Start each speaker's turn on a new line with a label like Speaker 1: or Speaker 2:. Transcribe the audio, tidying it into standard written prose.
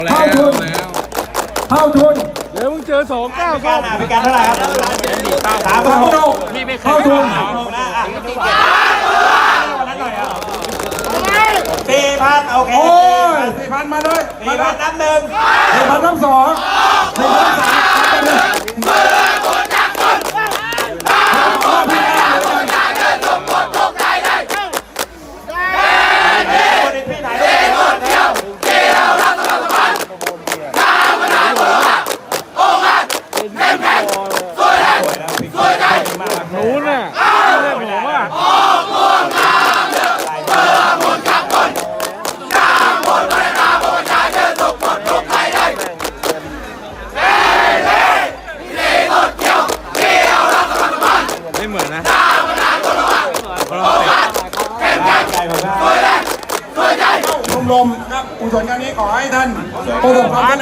Speaker 1: เข้าทุนเข้าทุน
Speaker 2: เดี๋ยวมึงเจอ2-9
Speaker 3: การพิการเท่าไหร่ครับ
Speaker 1: 3,600เข้าทุน
Speaker 3: 4,000โอเค
Speaker 1: โอ้ย4,000มาเลย
Speaker 3: 4,000นับหนึ่ง
Speaker 1: 4,000นับสอง4,000นับสาม
Speaker 2: นู้นน่ะเล่นผมว่าไม่เหมือนนะ
Speaker 1: ชมรมครับกุศลครั้งนี้ขอให้ท่านประสบความสำเร็จ